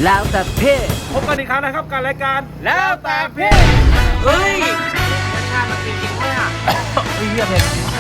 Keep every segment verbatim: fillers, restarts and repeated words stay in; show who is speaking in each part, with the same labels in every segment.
Speaker 1: แล้วแต่เพศ
Speaker 2: พบกันอีกครั้งนะครับการรายการ
Speaker 1: แล้วแต่เพศเฮ้ยชาติมันจริงๆเนี่ยเฮ้ยเรียบเลย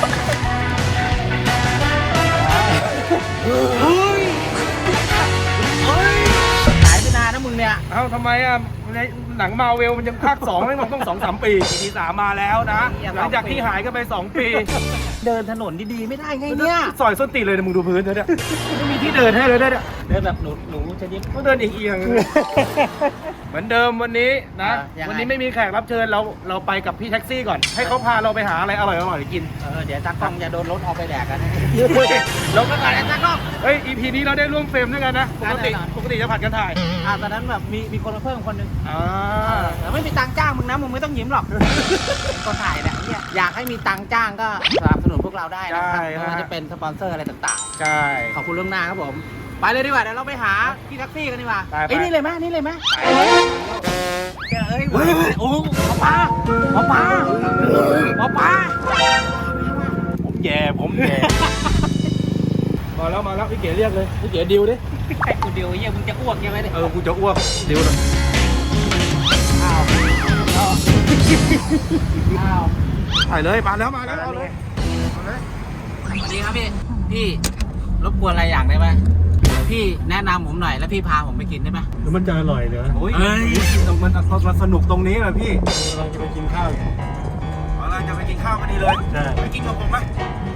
Speaker 1: เฮ้ยเฮ้ยหายไปนานนะมึงเนี่ย
Speaker 2: เอ้าทำไมอ่ะในหนังมาเวลมันยังภาคสองไม่มันต้องสองสามปีปีสามมาแล้วนะหลังจากที่หายกันไปสองปี
Speaker 1: เดินถนนดีๆไม่ได้ไงเนี่ย
Speaker 2: ซอยส้นตีเลยนะมึงดูพื้นเถอะเนี่ยไม่มีที่เดินให้เลยเนี่ย
Speaker 1: เดินแบบหนูหนูชนิด
Speaker 2: ต้องเดินเอียงๆเหมือนเดิมวันนี้นะวันนี้ไม่มีแขกรับเชิญเราเราไปกับพี่แท็กซี่ก่อนให้เขาพาเราไปหาอะไรอร่อยๆกิน
Speaker 1: เออเดี๋ยวตากล้องจะโดนรถเอาไปแดกกันลงกันก่อนนะตากล้อง
Speaker 2: เฮ้ย อี พี นี้เราได้ร่วมเฟรมด้วยกันนะปกติปกติจะผัดกันถ่าย
Speaker 1: อ่าตอนนั้นแบบมีมีคนมาเพิ่มคนนึง
Speaker 2: อ่า
Speaker 1: แต่ไม่มีตังค์จ้างมึงนะมึงไม่ต้องยิ้มหรอกก็ถ่ายแหละเนี่ยอยากให้มีตังค์จ้างก็สนับสนุนพวกเราได้นะครับไม่ว่าจะเป็นสปอนเซอร์อะไรต่าง
Speaker 2: ๆใช่
Speaker 1: ขอบคุณล่วงหน้าครับผมไปเลยดีกว่าเดี๋ยวเราไปหาพี่แท็กซี่กันดีกว่า
Speaker 2: ไอ้
Speaker 1: นี่เลยไหมนี่เลยไหมเอ้ยโอ้หมอปลาหมอปลาหมอปลา
Speaker 2: ผมแย่ผมแย่มาแล้วมาแล้วพี่เก๋เรียกเลยพี่เก๋ดิวดิ
Speaker 1: ไอ้กูดิวเยี่ยมึงจะอ้วกยังไงเนี่ย
Speaker 2: เออกูจะอ้วกดิวเลย
Speaker 1: อ้าวอ้าวอ้าว
Speaker 2: ถ่ายเลยมาแล้วมาแล้วเอาเลย
Speaker 1: สวัสดีครับพี่พี่รบกวนอะไรอย่างได้ไหมพี่แนะนำผมหน่อยแล้วพี่พาผมไปกินได้ไหม
Speaker 2: แล้วมันจะอร่อยเหรอ
Speaker 1: โอ้ย
Speaker 2: มันมันสนุกตรงนี้แหละพี่เราจะไปกินข้าวเราจะไปกินข้าวกันดีเลยไปกินกับผมไหม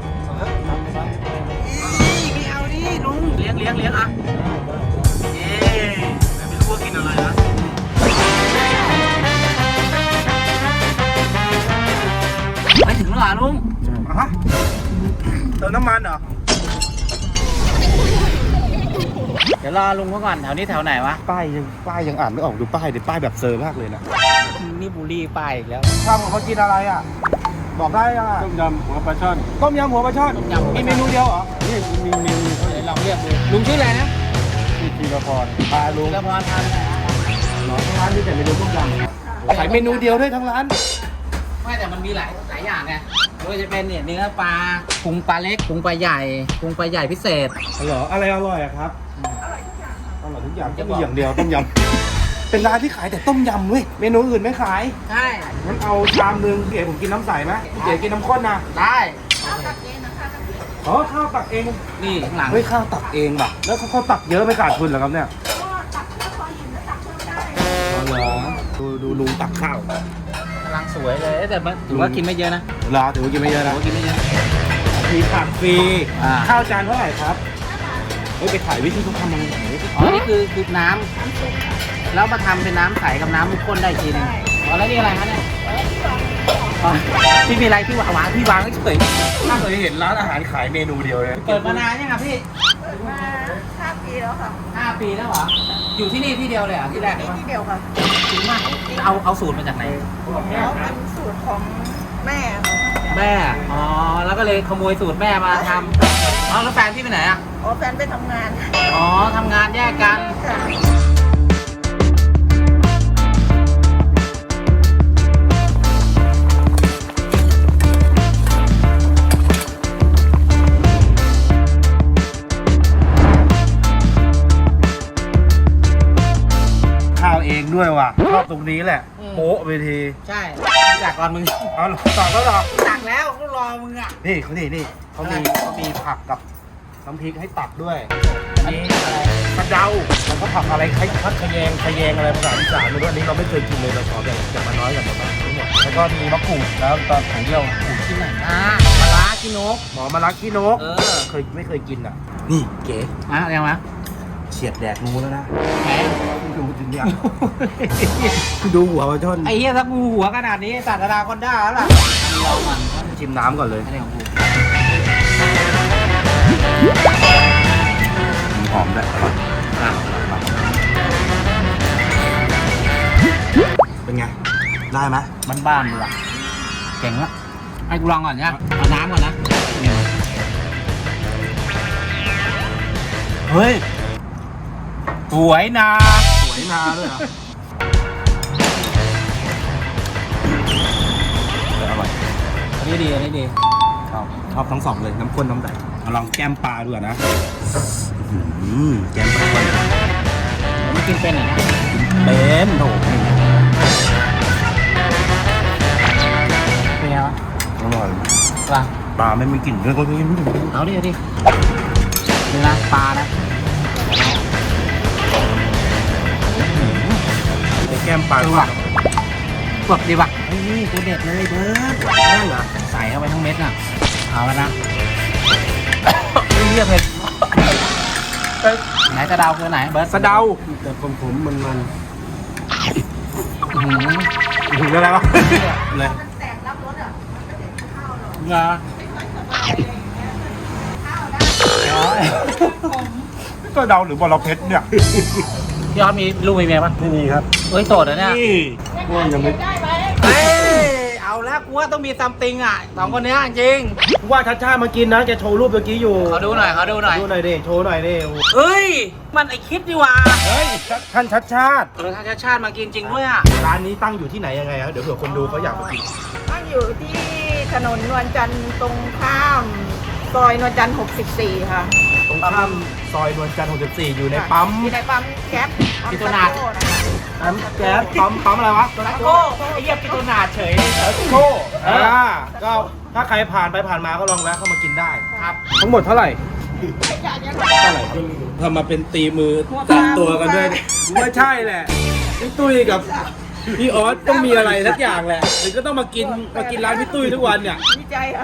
Speaker 1: ไม่เอาดิลุงเลี้ยงเลี้ยงเลี้ยงอ่ะ
Speaker 2: เอ๊ะไม่รู้ว่ากินอะไรนะ
Speaker 1: ไปถึงแล้วเหรอลุง
Speaker 2: ฮะเติมน้ำมันเหรอ
Speaker 1: เดี๋ยวรอลุงเขาก่อนแถวนี้แถวไหนวะ
Speaker 2: ป้ายยังป้ายยังอ่านไม่ออกดูป้ายดิป้ายแบบเซอร์มากเลยนะ
Speaker 1: นี่บูลลี่ป้ายอีกแล้ว
Speaker 2: ข้าวของเขากินอะไรอ่ะบอกได้อ่ะต้มยำหัวปลาช่อนต้มยำหัวปลาช่อนมีเมนูเดียวเหรอนี่มีเมนู
Speaker 1: เดี๋ยวลองเรียกดูลุงชื่ออะไรนะ
Speaker 2: ชื่อธีรพรพาลุง
Speaker 1: ธีรพรทาน
Speaker 2: หรอทั้งร้านมีแต่เมนูต้มยำขายเมนูเดียวด้วยทั้งร้าน
Speaker 1: ไม่แต่มันมีหลายหลายอย่างไงโดยจะเป็นเนี่ยเนื้อปลาพุงปลาเล็กพุงปลาใหญ่พุงปลาใหญ่พิเศษ
Speaker 2: เหรออะไรอร่อยอะครับอร่อยทุกอย่างอร่อยทุกอย่างก็มีอย่างเดียวต้มยำเป็นร้านที่ขายแต่ต้มยำเว้ยเมนูอื่นไม่ขาย
Speaker 1: ใช่
Speaker 2: งั้นเอาชามนึงเก๋ผมกินน้ำใสไหมเก๋กินน้ำข้นนะ
Speaker 1: ได้
Speaker 2: ข้าวตักเองนะคะอ๋อข้าวตักเอง
Speaker 1: นี่ข้างหลัง
Speaker 2: เฮ้ยข้าวตักเองแบบแล้วเขาตักเยอะไม่ขาดทุนเหรอครับเนี่ย
Speaker 3: ตักแค่พอหินแล้วตักเพิ่มได้
Speaker 2: อ๋อเหรอดูดูลุงตักข้าว
Speaker 1: กำลังสวยเลยแต่ถือว่ากินไม่เยอะนะ
Speaker 2: เหรอถือว่ากินไม่เยอะนะ
Speaker 1: กินไม่เยอะ
Speaker 2: มีผักฟรีข้าวจานเท่าไหร่ครับเฮ้ยไปถ่ายวิธีเขาทำยังไง
Speaker 1: อ๋อนี่คือคือน้ำแล้วมาทำเป็นน้ำใสกับน้ำมุกข้นได้ทีนึงอ๋อแล้วนี่อะไรคะเนี่ยพี่มีอะไรที่หวานพี่วางเฉย
Speaker 2: ไม่เคยเห็นร้านอาหารขายเมนูเดียวเลย
Speaker 1: เปิดมานานยังครับพี่
Speaker 3: เปิดมาห้าปีแล้วค่ะ
Speaker 1: ห้าปีแล้วเหรออยู่ที่นี่ที่เดียวเลยอ่ะที่แรก
Speaker 3: ที่เดียวค่ะ
Speaker 1: จริงมากเอาเอาสูตรมาจากไหน
Speaker 3: อ๋อเป็นสูตรของแม่
Speaker 1: แม่อ๋อแล้วก็เลยขโมยสูตรแม่มาทำอ๋อแล้วแฟนพี่ไปไหนอ่ะ
Speaker 3: อ๋อแฟนไปทำงาน
Speaker 1: อ๋อทำงานแยกกัน
Speaker 2: ข้าวเองด้วยว่ะชอบตรงนี้แหละโป๊ะไปที
Speaker 1: ใช่จากก่อนมึง
Speaker 2: อ๋อตักแล้วหรอ
Speaker 1: ตักแล้วก็รอมึงอ่ะ
Speaker 2: นี่เขานี่นี่เขามีเขามีผักกับน้ำพริกให้ตักด้วย
Speaker 1: อันนี้อะไร
Speaker 2: กระเดาแล้วก็ผักอะไรคล้ายพัดขยงขยงอะไรภาษาอีสานไม่รู้อันนี้เราไม่เคยกินเลยเราขอแบบจะมาน้อยกันหมดทั้งหมดแล้วก็มีมะกรูดแล้วตอนของเดียวกรูด
Speaker 1: ที่ไหนอ่ามาลาขี้นก
Speaker 2: หมอมาลาขี้นก
Speaker 1: เออ
Speaker 2: เคยไม่เคยกินอ่ะนี่เก๋
Speaker 1: อ่ะยังไง
Speaker 2: เฉียดแดดงูแล้วนะ
Speaker 1: แหม
Speaker 2: ดูจริงเนี่ยดูหัวปลาช่อน
Speaker 1: ไอ้เหี้ยถ้างูหัวขนาดนี้สัตว์นาคอนด้าแล้วล่ะเรามัน
Speaker 2: ชิมน้ำก่อนเลย
Speaker 1: อะไรของกู
Speaker 2: หอมด้วยเป็นไงได้ไหม
Speaker 1: มันบ้านมึงอะเก่งละให้กูลองก่อนเนี่ยเอาน้ำก่อนนะเฮ้ยสวยนา
Speaker 2: สวยนาด้วยเหรออร่อย
Speaker 1: อันนี้ดีอันนี้ดี
Speaker 2: ชอบชอบทั้งสองเลยน้ำข้นน้ำใสลองแก้มปลาดูนะแก้มปลาก่อน
Speaker 1: ไม่กินเป็นเหรอเนี่ย
Speaker 2: เป็นโถ
Speaker 1: เป็นไงวะ
Speaker 2: อร่อย
Speaker 1: ปลา
Speaker 2: ปลาไม่มีกลิ่นเลยก็ไม่รู้
Speaker 1: เอาดิเอาดินี่นะปลานะ
Speaker 2: ในแก้มปลา
Speaker 1: ดูว่ะกดดีว่ะเฮ้ยนี่ตัวเด็ดเลยเบิร์ด
Speaker 2: ได้เหรอ
Speaker 1: ใส่เข้าไปทั้งเม็ดน่ะเอาแล้วนะ
Speaker 2: เรียกเผ็ด
Speaker 1: ไหนกระเดาคือไหนเบิร์ด
Speaker 2: สะเดา
Speaker 4: แต่ผมผมมันมัน
Speaker 1: อื้อหือ
Speaker 2: ถึงอะไรวะเลย
Speaker 3: แตกรับรสอ่ะ
Speaker 1: เหรออ๋อ
Speaker 2: สะเดาหรือบอระเพ็ดเนี่ย
Speaker 1: พี่ออสมีลูกมีเมียปะ
Speaker 4: ไม่มีครับ
Speaker 1: เอ้ยโสดเหรอเนี่ย
Speaker 2: นี่
Speaker 4: ว่ายังไม่
Speaker 3: ได้ไหม
Speaker 1: เฮ้ยเอาแล้วกูว่าต้องมีซัมติงอ่ะสองคนเนี้ยจริง
Speaker 4: ว่าชัดชาติมากินนะแกโชว์รูปเมื่อกี้อยู่
Speaker 1: เขาดูหน่อยเขาดูหน่อย
Speaker 4: ดูหน่อยดิโชว์หน่อยดิโอ้โห
Speaker 1: เอ้ยมันไอคิดดีว่า
Speaker 2: เฮ้ยท่านชัดชาติ
Speaker 1: เออทางชาติชาติมากินจริงด้วยอ่ะ
Speaker 4: ร้านนี้ตั้งอยู่ที่ไหนยังไงครับเดี๋ยวเผื่อคนดูเขาอยากมากิน
Speaker 3: ตั้งอยู่ที่ถนนนวลจันทร์ตรงข้ามซอยนวลจันทร์หกสิบสี่ค่ะ
Speaker 4: ตรงข้ามซอยนวลจันทร์หกสิบสี่อยู่ในปั๊ม
Speaker 3: อยู่ในปั๊มแก๊ส
Speaker 1: พิโตนาด
Speaker 4: ปั๊มแก๊สปั๊มปั๊มอะไรวะ
Speaker 1: ตะโก้ไอ้เหี้ยปิโตนาดเฉย
Speaker 4: โก้อ่าก็ถ้าใครผ่านไปผ่านมาก็ลองแวะเข้ามากินได้
Speaker 1: ครับ
Speaker 4: ทั้งหมดเท่าไหร่
Speaker 2: เท่าไหร่ทำมาเป็นตีมือจับตัวกันด้วยว่าใช่แหละพี่ตุ้ยกับพี่ออสต้องมีอะไรสักอย่างแหละหรือก็ต้องมากินมากินร้านพี่ตุ้ยทุกวันเนี่ย
Speaker 3: ดีใจค่ะ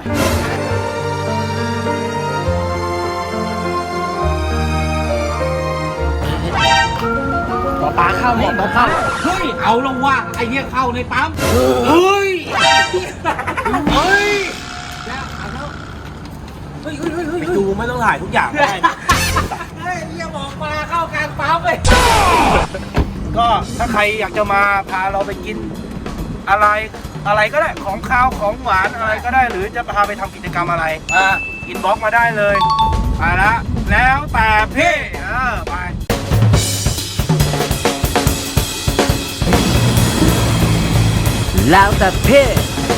Speaker 1: หมอปลาเข้าหมอปลาเข้าเฮ้ยเอาลงว่าไอ้เหี้ยเข้าในปั๊มเฮ้ยเฮ้ยแล้วเอาแล้วเฮ้ยเฮ้ยเฮ้ยเฮ้ย
Speaker 4: ดูไม่ต้องถ่ายทุกอย่างได้นะ
Speaker 1: เฮ้ยเหี้ยหมอปลาเข้ากลางปั๊มเลย
Speaker 4: ก็ถ้าใครอยากจะมาพาเราไปกินอะไรอะไรก็ได้ของคาวของหวานอะไรก็ได้หรือจะพาไปทำกิจกรรมอะไรอ่าอินบ็อกมาได้เลยไปละแล้วแต่พี่เออไป
Speaker 1: แล้วแต่เพศ